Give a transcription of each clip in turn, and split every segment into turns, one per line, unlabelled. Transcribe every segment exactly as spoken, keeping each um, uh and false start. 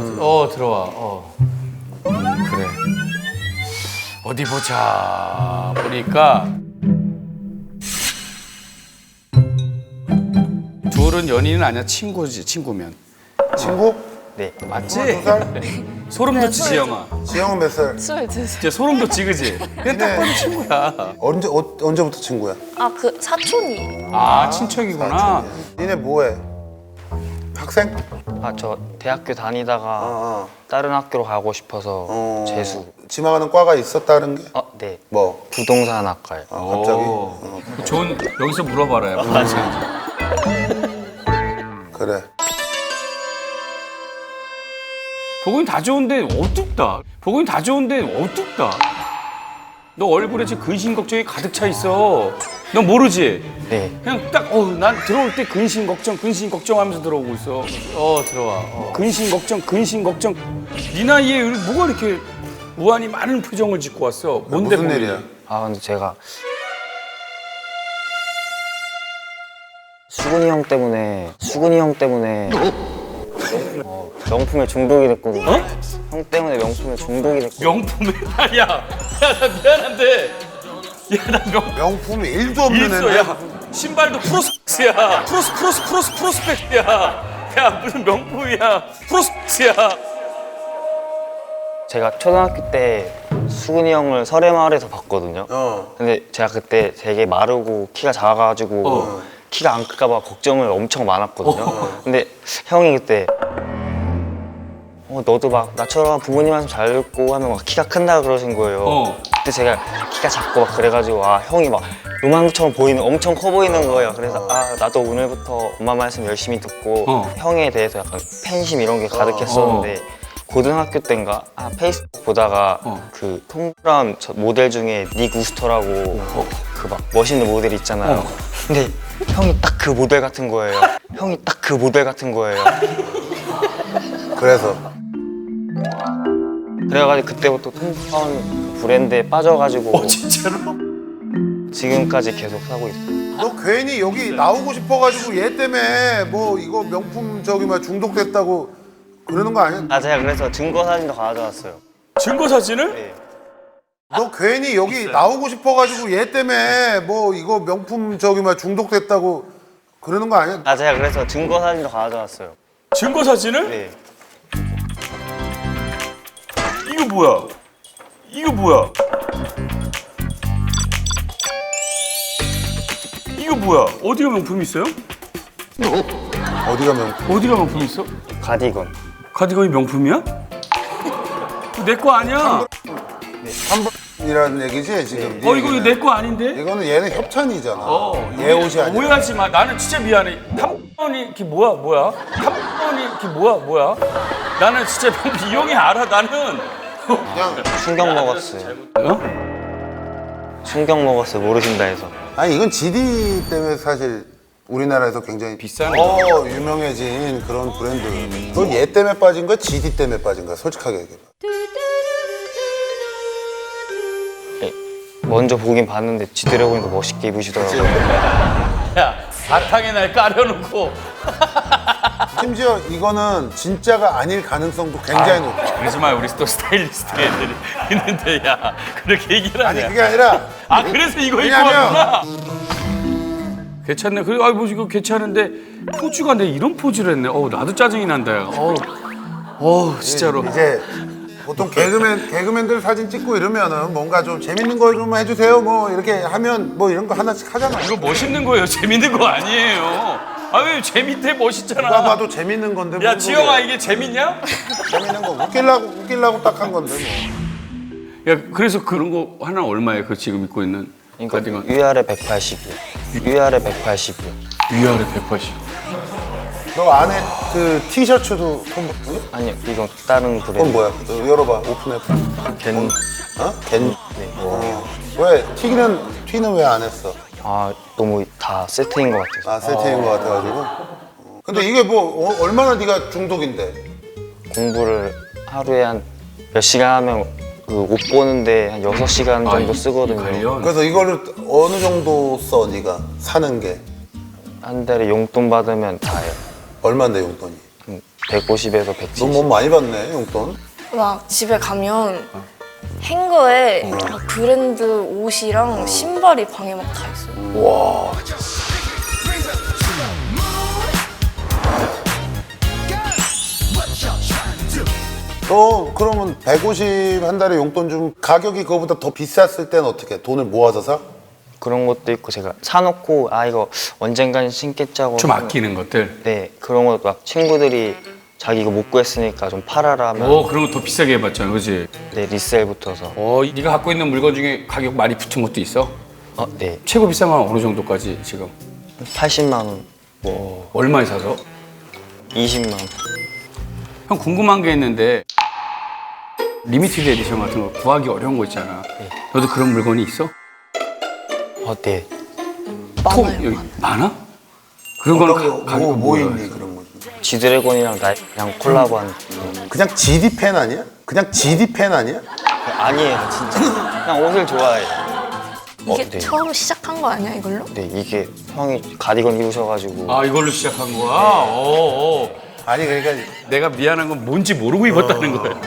음. 어 들어와. 어. 그래. 어디 보자. 보니까 둘은 연인은 아니야. 친구지. 친구면.
친구?
네.
맞지?
스물두 살?
소름 돋지 지영아.
지영은 몇 살?
스물두 살.
진짜 소름 돋지 그지? 그냥 딱 봐도 친구야.
언제 어, 언제부터 친구야?
아, 그 사촌이.
아 친척이구나.
니네 뭐해? 학생?
아, 저 대학교 다니다가
어,
다른 학교로 가고 싶어서
어.
재수.
지망하는 과가 있었다는 게?
어, 네.
뭐?
부동산 학과요.
아, 갑자기?
오.
어,
좋은 여기서 물어봐라요. 부동산.
그래.
보긴 다 좋은데 어둡다. 보긴 다 좋은데 어둡다. 너 얼굴에 지금 근심 걱정이 가득 차 있어. 너 모르지?
네.
그냥 딱, 어, 난 들어올 때 근심 걱정, 근심 걱정하면서 들어오고 있어. 어, 들어와. 어. 근심 걱정, 근심 걱정. 네 나이에 뭐가 이렇게 무한히 많은 표정을 짓고 왔어? 뭔데
무슨
고민이?
일이야?
아, 근데 제가 수근이 형 때문에 수근이 형 때문에 어, 명품에 중독이 됐거든요.
어?
형 때문에 명품에 중독이 됐거든요.
명품에 야, 야, 나 미안한데, 야, 나 명.
명품이 일도 없는
있어,
애인데
야. 신발도 프로스펙스야. 프로스, 프로스, 프로스, 프로스펙스야. 야, 무슨 명품이야. 프로스펙스야.
제가 초등학교 때 수근이 형을 설해마을에서 봤거든요.
어.
근데 제가 그때 되게 마르고 키가 작아가지고
어.
키가 안 클까봐 걱정을 엄청 많았거든요.
어.
근데 형이 그때 어, 너도 막 나처럼 부모님 말씀 잘 듣고 하면 막 키가 큰다 그러신 거예요.
어.
근데 제가 키가 작고 막 그래가지고 아 형이 막 요만처럼 보이는 엄청 커 보이는 거예요. 그래서 아 나도 오늘부터 엄마 말씀 열심히 듣고
어.
형에 대해서 약간 팬심 이런 게 가득했었는데 고등학교 때인가 아, 페이스북 보다가
어.
그 통그라운 저 모델 중에 닉 우스터라고 그 막 멋있는 모델 있잖아요.
어.
근데 형이 딱 그 모델 같은 거예요. 형이 딱 그 모델 같은 거예요.
그래서
그래가지고 그때부터 통그라운 브랜드에 빠져가지고
어, 진짜로?
지금까지 계속 사고 있어요.
너 괜히 여기 나오고 싶어가지고 얘 때문에 뭐 이거 명품 저기 막 중독됐다고 그러는 거 아니야?
아 제가 그래서 증거 사진도 가져왔어요.
증거 사진을?
네.
너 괜히 여기 나오고 싶어가지고 얘 때문에 뭐 이거 명품 저기 막 중독됐다고 그러는 거 아니야?
아 제가 그래서 증거 사진도 가져왔어요.
증거 사진을?
네.
이거 뭐야? 이거 뭐야? 이거 뭐야? 어디가 명품이 있어요?
어디가 명품?
어디가 명품이 있어?
가디건.
카디건이 명품이야? 내 거 아니야?
한 번이라는 얘기지 지금? 네
어 이거
얘기는.
내 거 아닌데?
이거는 얘는 협찬이잖아.
어,
얘 옷이 아니야.
오해하지 마. 나는 진짜 미안해. 한 번이 이게 뭐야 뭐야? 한 번이 이게 뭐야 뭐야? 나는 진짜 이 형이 알아. 나는.
그냥
충격 먹었어요.
어?
충격 먹었어요. 모르신다 해서.
아니 이건 지디 때문에 사실 우리나라에서 굉장히
비싼
더 유명해진 그런 브랜드. 넌 얘 때문에 빠진 거야? 지디 때문에 빠진 거야? 솔직하게 얘기해봐.
네. 먼저 보긴 봤는데 지드래곤도 멋있게 입으시더라고요.
야 바탕에 날 깔아놓고.
심지어 이거는 진짜가 아닐 가능성도 굉장히 높아.
그러지 마. 우리 또 스타일리스트 애들이 있는데 야 그렇게 얘기를
아니
하냐?
그게 아니라
아 그래서 이거 입고
왜냐면-
왔구나. 괜찮네. 그래, 아, 뭐 이거 괜찮은데 포즈가 내 이런 포즈를 했네. 어, 나도 짜증이 난다. 야. 어, 어, 진짜로.
이제 보통 개그맨 개그맨들 사진 찍고 이러면은 뭔가 좀 재밌는 거 좀 해주세요. 뭐 이렇게 하면 뭐 이런 거 하나씩 하잖아.
이거 멋있는 거예요. 재밌는 거 아니에요. 아 왜 재밌대 멋있잖아.
누가 봐도 재밌는 건데.
야
뭔
지영아
소리야.
이게 재밌냐?
재밌는 거 웃기려고 웃기려고 딱 한 건데 뭐.
야 그래서 그런 거 하나 얼마에 그 지금 입고 있는
그러니까
가디건?
위아래 백팔십이요. 위아래 백팔십이요.
위아래 백팔십.
너 안에 그 티셔츠도 톰
아니요, 이건 다른 브랜드.
그건 뭐야? 너 열어봐. 오픈해봐.
겐.
어? 겐.
네.
어. 왜 튀기는 튀는 왜 안 했어?
아 너무 다 세트인 것 같아서.
아 세트인 거 같아가지고. 어. 근데 이게 뭐 어, 얼마나 네가 중독인데?
공부를 하루에 한 몇 시간 하면 그 옷 보는데 한 여섯 시간 정도
아, 이- 이
쓰거든요.
관련?
그래서 이거를 어느 정도 써 네가 사는 게
한 달에 용돈 받으면 다예요.
얼마인데 용돈이?
백오십에서 백칠십.
너 뭐 많이 받네 용돈.
막 집에 가면 행거에 막 브랜드 옷이랑 신발이 방에 막 다 있어요.
와. 너 그러면 백오십 한 달에 용돈 좀 가격이 그거보다 더 비쌌을 땐 어떻게 돈을 모아서 사?
그런 것도 있고 제가 사놓고 아 이거 언젠간 신겠지 하고
좀 아끼는 것들.
네 그런 거 막 친구들이 자기 이거 못 구했으니까 좀 팔아라 하면
오, 그런 거 더 비싸게 해봤잖아, 그지?
네 리셀 붙어서
어, 네가 갖고 있는 물건 중에 가격 많이 붙은 것도 있어?
어, 네
최고 비싼 건 어느 정도까지 지금?
팔십만 원,
뭐 얼마에 사서?
이십만 원.
형 궁금한 게 있는데 리미티드 에디션 같은 거 구하기 어려운 거 있잖아.
네.
너도 그런 물건이 있어?
어, 네.
톡
많아요.
여기 많아? 그런 거는
어떤 거,
가, 가격
뭐, 뭐
뭐야?
있니 그런 거?
지드래곤이랑 나랑 콜라보한
그냥 지디 팬 아니야? 그냥 지디 팬 아니야?
아니에요 진짜 그냥 옷을 좋아해요.
이게
어, 네.
처음 시작한 거 아니야 이걸로?
네 이게 형이 가디건 입으셔가지고
아 이걸로 시작한 거야? 어, 어.
아니 그러니까
내가 미안한 건 뭔지 모르고 입었다는 거야.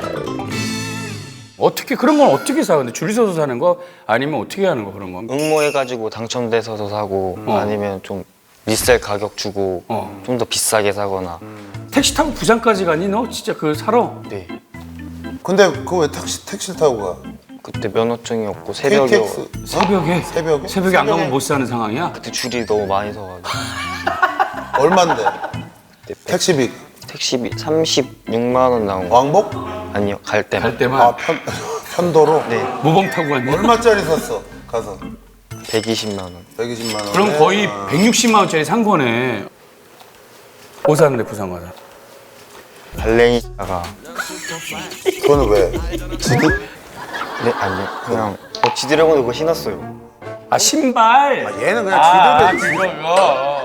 어떻게 그런 건 어떻게 사? 근데 줄 서서 사는 거 아니면 어떻게 하는 거 그런 건?
응모해가지고 당첨돼서도 사고
어.
아니면 좀 리셀 가격 주고
어.
좀 더 비싸게 사거나
택시 타고 부산까지 가니 너 진짜 그거 사러?
네
근데 그거 왜 택시 택시를 타고 가?
그때 면허증이 없고 새벽에
케이티엑스
새벽에?
새벽에?
새벽에 안 가면 못 사는 상황이야?
그때 줄이 너무 많이 서가지고
얼마인데?
네,
택시비
택시비 삼십육만 원 나온 거
왕복?
아니요 갈 때만
갈 때만
아 편, 편도로?
네
모범 타고 갔네.
얼마짜리 샀어? 가서
백이십만 원.
백이십만 원.
그럼 거의 백육십만 원짜리 산 거네. 뭐 사는데 부산 가서?
발레니아가
그거는 왜? 지디?
네 아니요 그냥 어, 지드래곤 이거 신었어요.
아 신발.
아, 얘는 그냥
아,
지디를
그거.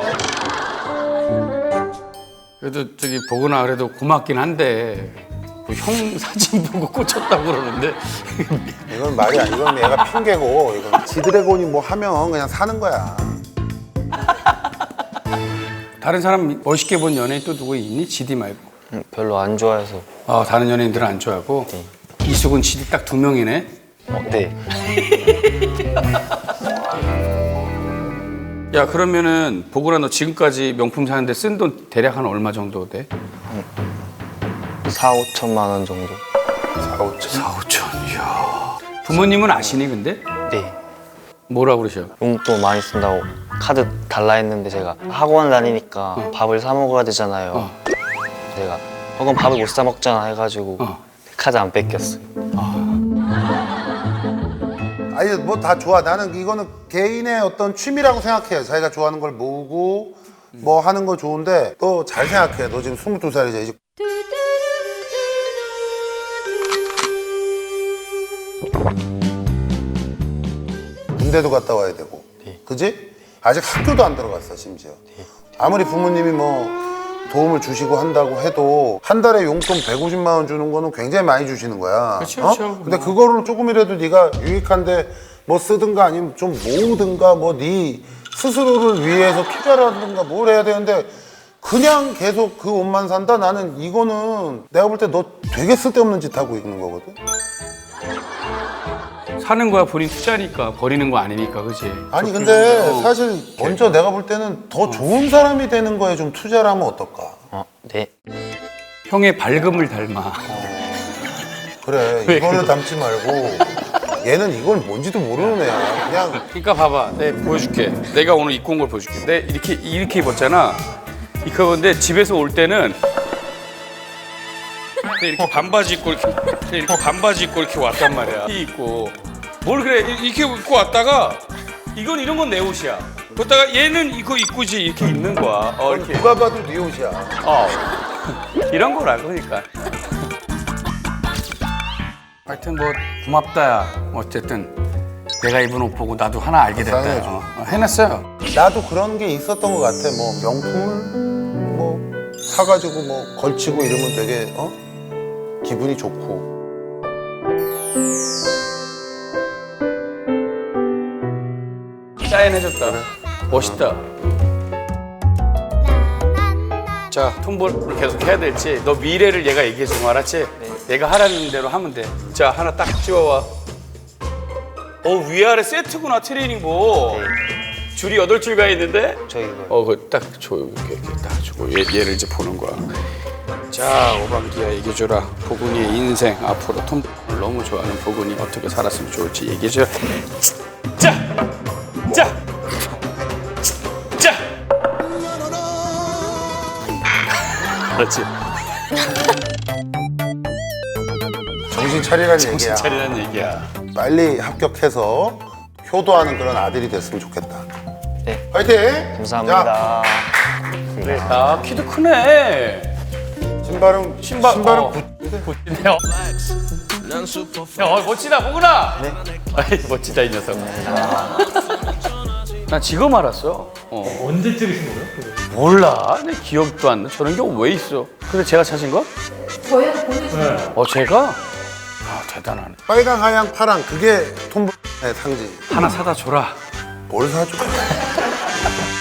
그래도 저기 보거나 그래도 고맙긴 한데 뭐형 사진 보고 꽂혔다고 그러는데
이건 말이 아니 이건 얘가 핑계고 이건 지드래곤이 뭐 하면 그냥 사는 거야.
다른 사람 멋있게 본 연예인 또 누구 있니? 지디 말고.
음, 별로 안 좋아해서.
아 다른 연예인들은 안 좋아하고.
네.
이수근 지디 딱 두 명이네.
어, 네.
야 그러면은 보거나 너 지금까지 명품 사는데 쓴 돈 대략 한 얼마 정도 돼?
사, 오천만 원 정도.
사오천.
사오천. 이야. 부모님은 아시니 근데?
네.
뭐라 그러셔?
용돈 많이 쓴다고 카드 달라 했는데 제가 학원 다니니까 밥을 사 먹어야 되잖아요.
어.
내가 어, 그럼 밥을 못 사 먹잖아 해가지고
어.
카드 안 뺏겼어요.
아니 뭐 다 좋아. 나는 이거는 개인의 어떤 취미라고 생각해. 자기가 좋아하는 걸 모으고 뭐 하는 거 좋은데 너 잘 생각해. 너 지금 스물두 살이지. 이제 군대도 갔다 와야 되고,
네.
그지? 아직 학교도 안 들어갔어 심지어. 아무리 부모님이 뭐 도움을 주시고 한다고 해도 한 달에 용돈 백오십만 원 주는 거는 굉장히 많이 주시는 거야.
그렇죠, 그렇죠.
근데 그거를 조금이라도 네가 유익한데 뭐 쓰든가 아니면 좀 모으든가 뭐 네 스스로를 위해서 투자를 하든가 뭘 해야 되는데 그냥 계속 그 옷만 산다? 나는 이거는 내가 볼 때 너 되게 쓸데없는 짓 하고 있는 거거든.
사는 거야 본인 투자니까 버리는 거 아니니까 그지?
아니 근데
어.
사실 먼저 내가 볼 때는 더 좋은 사람이 되는 거에 좀 투자를 하면 어떨까?
어, 네.
형의 밝음을 닮아.
그래
왜
이거는
그거?
담지 말고 얘는 이걸 뭔지도 모르는 애야. 그냥
그러니까 봐봐, 내가 보여줄게. 내가 오늘 입고 온 걸 보여줄게. 내 이렇게 이렇게 입었잖아. 이렇게 입었는데 집에서 올 때는 이렇게 반바지 입고 이렇게, 이렇게 반바지 입고 이렇게 왔단 말이야. 이 입고 뭘 그래 이렇게 입고 왔다가 이건 이런 건 내 옷이야. 그러다가 얘는 이거 입고지 이렇게 입는 거야. 어 이렇게.
누가 봐도 네 옷이야.
어 이런 거라 그러니까. 하여튼 뭐 고맙다야. 어쨌든 내가 입은 옷 보고 나도 하나 알게 됐다.
사랑해줘.
어, 어, 해놨어요.
나도 그런 게 있었던 것 같아. 뭐 명품을 뭐 사가지고 뭐 걸치고 이러면 되게 어 기분이 좋고.
사인해줬다. 멋있다. 자, 톰볼을 계속 해야 될지 너 미래를 얘가 얘기해 주면 알았지? 얘가 하라는 대로 하면 돼. 자, 하나 딱 찍어와. 어, 위아래 세트구나, 트레이닝복. 줄이 여덟 줄 가 있는데?
저희 이거
어, 그 딱 줘, 이렇게, 이렇게 딱 주고 얘, 얘를 이제 보는 거야. 자, 오방기야 얘기해줘라. 보근이의 인생 앞으로 톰 너무 좋아하는 보근이 어떻게 살았으면 좋을지 얘기해줘. 자, 자, 자. 그렇지.
정신 차리라는 얘기야.
정신 차리라는 얘기야.
빨리 합격해서 효도하는 그런 아들이 됐으면 좋겠다.
네.
화이팅!
감사합니다.
그래. 아, 키도 크네.
자, 신발은
신발,
신발은
어.
구-
멋지네요. 야, 어, 멋지다, 보구나. 네. 아이, 멋지다 이 녀석. 나 지금 알았어. 어.
언제 찍으신 거예요?
몰라. 내 기억도 안 나. 저런 게 왜 있어? 근데 제가 찾은 거?
저희한테 보내주신
네.
어, 제가? 아, 대단하네.
빨강, 하양, 파랑 그게 톰볼의 상징.
하나 사다 줘라.
뭘 사줘?